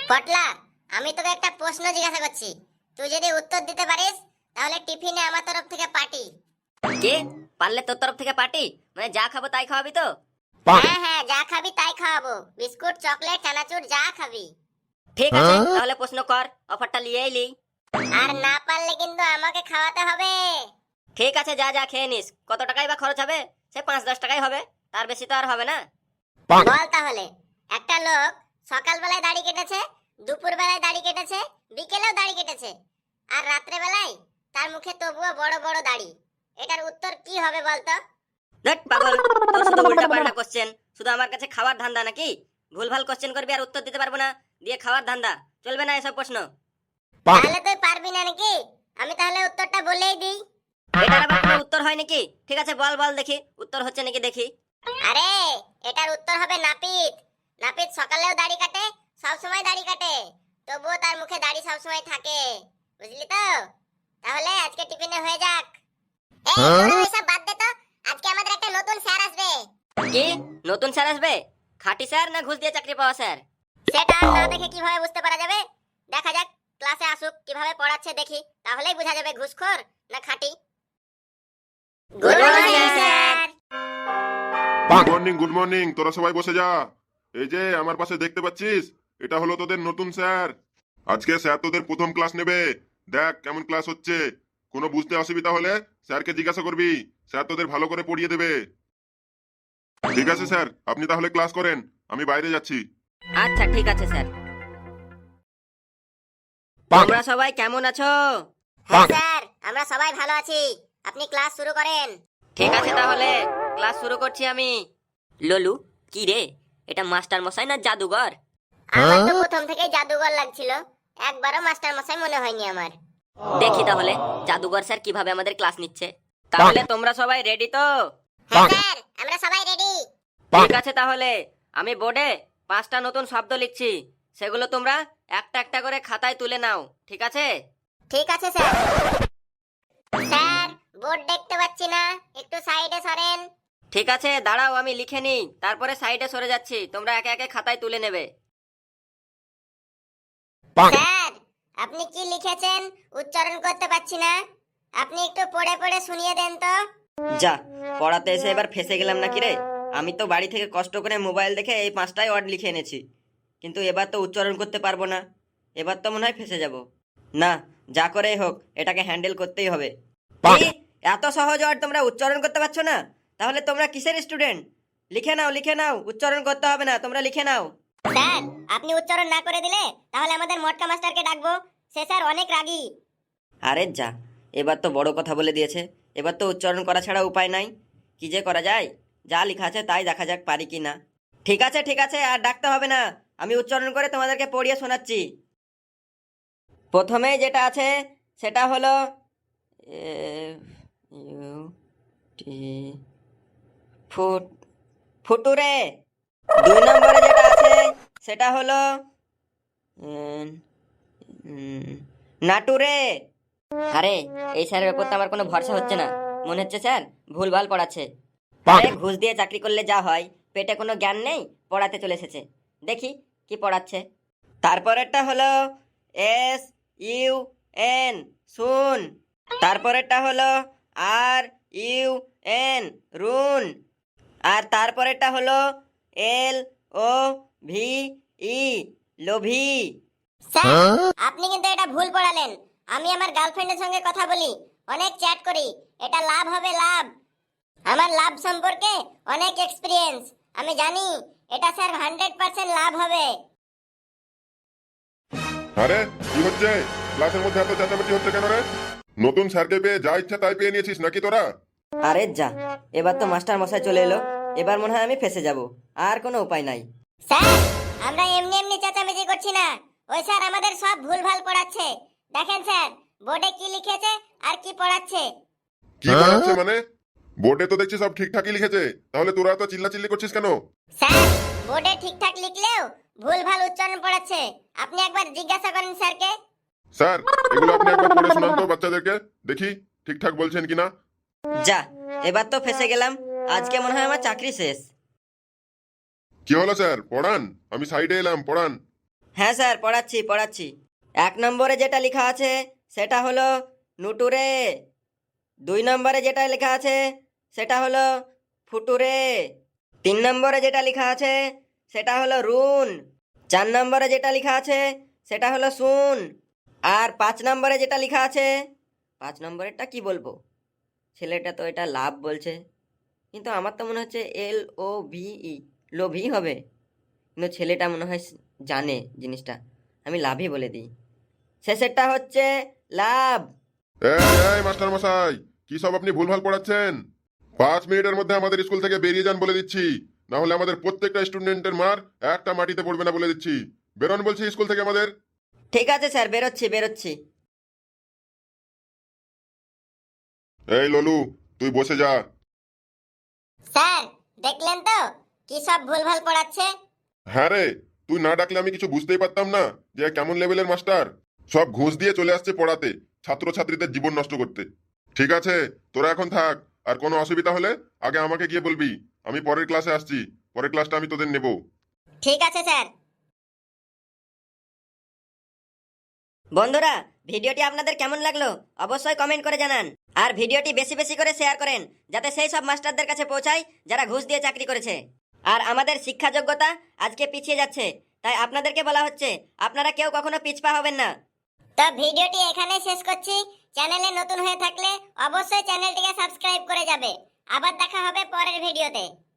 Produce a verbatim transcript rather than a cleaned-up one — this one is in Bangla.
পটলা, আমি তোকে একটা প্রশ্ন জিজ্ঞাসা করছি, তুই যদি উত্তর দিতে পারিস তাহলে টিফিনে আমার তরফ থেকে পার্টি। কে? পারলে তোর তরফ থেকে পার্টি? মানে যা খাবো তাই খাওয়াবি তো? হ্যাঁ হ্যাঁ, যা খাবি তাই খাওয়াবো, বিস্কুট চকলেট চানাচুর যা খাবি। ঠিক আছে, তাহলে প্রশ্ন কর, অফারটা নিয়ে এলি। আর না পারলে কিন্তু আমাকে খাওয়াতে হবে। ঠিক আছে, যা যা খেয়ে নিস। কত টাকাই বা খরচ হবে? সে পাঁচ দশ টাকাই হবে, তার বেশি তো আর হবে না। বল তাহলে, একটা লোক সকালবেলায় দাড়ি কেটেছে, দুপুর বেলায় দাড়ি কেটেছে, বিকেলেও দাড়ি কেটেছে, আর রাত্রে বেলায় তার মুখে তবুও বড় বড় দাড়ি, এটার উত্তর কি হবে বলতো? দেখ পাগল, তোর শুধু উল্টা পাল্টা কোশ্চেন, শুধু আমার কাছে খাওয়ার ধান্দা নাকি? ভুলভাল কোশ্চেন করবি আর উত্তর দিতে পারবো না, দিয়ে খাওয়ার ধান্দা চলবে না এসব প্রশ্ন। তাহলে তুই পারবি না নাকি? আমি তাহলে উত্তরটা বলেই দিই। এটার আবার কোনো উত্তর হয় নাকি? ঠিক আছে, বল বল দেখি উত্তর হচ্ছে নাকি দেখি। আরে, এটার উত্তর হবে নাপিত। নাপিত সকালেও দাড়ি কাটে, সব সময় দাড়ি কাটে, তবুও তার মুখে দাড়ি সব সময় থাকে, বুঝলি তো? তাহলে আজকে টিফিনে হয়ে যাক। এই তোরা ওইসব বাদ দে তো, আজকে আমাদের একটা নতুন স্যার আসবে। কি নতুন স্যার আসবে? খাঁটি স্যার না ঘুষ দিয়ে চাকরি পাওয়া স্যার? সেটা না দেখে কিভাবে বুঝতে পারা যাবে? দেখা যাক, ক্লাসে আসুক, কিভাবে পড়াচ্ছে দেখি, তাহলেই বোঝা যাবে ঘুষখোর না খাঁটি। Good morning sir. Good morning good morning তোরা সবাই বসে যা। এই যে আমার পাশে দেখতে পাচ্ছিস, এটা হলো তোদের নতুন স্যার। আজকে স্যার তোদের প্রথম ক্লাস নেবে। দেখ কেমন ক্লাস হচ্ছে। কোনো বুঝতে অসুবিধা হলে স্যারকে জিজ্ঞাসা করবি, স্যার তোদের ভালো করে পড়িয়ে দেবে। ঠিক আছে স্যার, আপনি তাহলে ক্লাস করেন, আমি বাইরে যাচ্ছি। আচ্ছা ঠিক আছে স্যার। তোমরা সবাই কেমন আছো? হ্যাঁ স্যার, আমরা সবাই ভালো আছি, আপনি ক্লাস শুরু করেন। ঠিক আছে, তাহলে ক্লাস শুরু করছি আমি। ললু, কি রে, এটা মাস্টার মশাই না জাদুঘর? আমার তো প্রথম থেকেই জাদুঘর লাগছিল, একবারও মাস্টার মশাই মনে হয়নি আমার। দেখি তাহলে জাদুঘর স্যার কিভাবে আমাদের ক্লাস নিচ্ছে। তাহলে তোমরা সবাই রেডি তো? হ্যাঁ স্যার, আমরা সবাই রেডি। ঠিক আছে, তাহলে আমি বোর্ডে পাঁচটা নতুন শব্দ লিখছি, সেগুলো তোমরা একটা একটা করে খাতায় তুলে নাও, ঠিক আছে? ঠিক আছে স্যার। স্যার, বোর্ড দেখতে পাচ্ছি না, একটু সাইডে সরেন। ঠিক আছে, দাঁড়াও আমি লিখে নিই, তারপরে সাইডে সরে যাচ্ছি, তোমরা একে একে খাতায় তুলে নেবে। স্যার, আপনি কি লিখেছেন উচ্চারণ করতে পাচ্ছি না, আপনি একটু পড়ে পড়ে শুনিয়ে দেন তো। যা, পড়াতে এসে এবার ফেসে গেলাম নাকি রে? আমি তো বাড়ি থেকে কষ্ট করে মোবাইল দেখে এই পাঁচটাই ওয়ার্ড লিখে এনেছি, কিন্তু এবার তো উচ্চারণ করতে পারবো না। এবার তো মনে হয় ফেসে যাব। না, যা করেই হোক এটাকে হ্যান্ডেল করতেই হবে। কি? এত সহজ ওয়ার্ড তোমরা উচ্চারণ করতে পারছো না? তাহলে তোমরা কিসের স্টুডেন্ট? লিখে নাও লিখে নাও, উচ্চারণ করতে হবে না, তোমরা লিখে নাও। স্যার, আপনি উচ্চারণ না করে দিলে তাহলে আমাদের মটকা মাস্টারকে ডাকবো, সে স্যার অনেক রাগী। আরে যা, এবার তো বড় কথা বলে দিয়েছে, এবার তো উচ্চারণ করা ছাড়া উপায় নাই। কি যে করা যায়, যা লেখা আছে তাই দেখা যাক পারি কি না। ঠিক আছে ঠিক আছে, আর ডাকতে হবে না, আমি উচ্চারণ করে তোমাদেরকে পড়িয়ে শোনাচ্ছি। প্রথমে যেটা আছে সেটা হলো এফ ইউ টি, ফুট, ফুটুরে। দুই নম্বরে যেটা আছে সেটা হলো এন, উম, নাটুরে। আরে, এই স্যারের উপর তো আমার কোনো ভরসা হচ্ছে না, মনে হচ্ছে স্যার ভুলভাল পড়াচ্ছে। আরে ঘুষ দিয়ে চাকরি করলে যা হয়, পেটে কোনো জ্ঞান নেই, পড়াতে চলে এসেছে, দেখি কি পড়াচ্ছে। তারপরেরটা হলো এস ইউ এন, শুন। তারপরেরটা হলো আর ইউ এন, রুন। আর তারপরেরটা হলো এল ও ভি ই, লোভি। স্যার, আপনি কিন্তু এটা ভুল পড়ালেন। আমি আমার গার্লফ্রেন্ডের সঙ্গে কথা বলি, অনেক চ্যাট করি, এটা লাভ হবে লাভ। আমার লাভ সম্পর্কে অনেক এক্সপিরিয়েন্স, আমি জানি এটা স্যার হান্ড্রেড পার্সেন্ট লাভ হবে। আরে কি হচ্ছে ক্লাসের মধ্যে? এত চেঁচামেচি হচ্ছে কেন রে? নতুন স্যারকে পেয়ে যা ইচ্ছা তাই পেয়ে নিয়েছিস নাকি তোরা? আরে যা, এবার তো মাস্টার মশাই চলে এলো, এবার মনে হয় আমি ফেসে যাব, আর কোনো উপায় নাই। স্যার, আমরা এমনি এমনি চেঁচামেচি করছি না, ওই স্যার আমাদের সব ভুলভাল পড়াচ্ছে। দেখেন স্যার, বোর্ডে কি লিখেছে আর কি পড়াচ্ছে। কি পড়াচ্ছে মানে? বোর্ডে তো দেখছি সব ঠিকঠাকই লিখেছে, তাহলে তোরা তো চিল্লাচিল্লি করছিস কেন? স্যার, বোর্ডে ঠিকঠাক লিখলেও ভুলভাল উচ্চারণ পড়াচ্ছে, আপনি একবার জিজ্ঞাসা করেন স্যারকে। স্যার, এগুলো আপনি একবার পড়ে শোনান তো বাচ্চাদেরকে, দেখি ঠিকঠাক বলছেন কিনা। যা, এবার তো ফেসে গেলাম, আজকে মনে হয় আমার চাকরি শেষ। কি হলো স্যার, পড়ান, আমি সাইডে এলাম, পড়ান। হ্যাঁ স্যার, পড়াচ্ছি পড়াচ্ছি। এক নম্বরে যেটা লেখা আছে সেটা হলো নুটুরে। দুই নম্বরে যেটা লেখা আছে সেটা হলো ফুটুরে। তিন নম্বরে যেটা লেখা আছে সেটা হলো রুন। চার নম্বরে যেটা লেখা আছে সেটা হলো শুন। আর পাঁচ নম্বরে যেটা লেখা আছে, পাঁচ নম্বরেরটা কি বলবো, ছেলেটা তো এটা লাভ বলছে, কিন্তু আমার তো মনে হচ্ছে এল ও ভি ই, লোভি হবে, কিন্তু ছেলেটা মনে হয় জানে জিনিসটা, আমি লাভই বলে দিই। শেষেরটা হচ্ছে লাভ। এই এই মাস্টার মশাই, কি সব আপনি ভুলভাল পড়াচ্ছেন? পাঁচ মিনিটের মধ্যে আমাদের স্কুল থেকে বেরিয়ে যান বলে দিচ্ছি, না হলে আমাদের প্রত্যেকটা স্টুডেন্টের মার একটা মাটিতে পড়বে না বলে দিচ্ছি। বেরোন বলছি স্কুল থেকে আমাদের। ঠিক আছে স্যার, বেরোচ্ছি বেরোচ্ছি। এই ললু, তুই বসে যা। স্যার, দেখলেন তো কি সব ভুলভাল পড়াচ্ছে? হ্যাঁ রে, তুই না ডাকলে আমি কিছু বুঝতেই পারতাম না যে কেমন লেভেলের মাস্টার। সব ঘুষ দিয়ে চলে আসছে পড়াতে, ছাত্রছাত্রীদের জীবন নষ্ট করতে। ঠিক আছে, তোরা এখন থাক, আর কোনো অসুবিধা হলে আগে আমাকে গিয়ে বলবি। আমি পরের ক্লাসে আসছি, পরের ক্লাসটা আমি তোদের নেব। ঠিক আছে স্যার। বন্ধুরা, ভিডিওটি আপনাদের কেমন লাগলো অবশ্যই কমেন্ট করে জানান। আর ভিডিওটি বেশি বেশি করে শেয়ার করেন, যাতে সেই সব মাস্টারদের কাছে পৌঁছায় যারা ঘুষ দিয়ে চাকরি করেছে। আর আমাদের শিক্ষা যোগ্যতা আজকে পিছিয়ে যাচ্ছে, তাই আপনাদেরকে বলা হচ্ছে আপনারা কেউ কখনো পিছপা হবেন না। তো ভিডিওটি এখানে শেষ করছি। চ্যানেলে নতুন হয়ে থাকলে অবশ্যই চ্যানেলটিকে সাবস্ক্রাইব করে যাবে। আবার দেখা হবে পরের ভিডিওতে।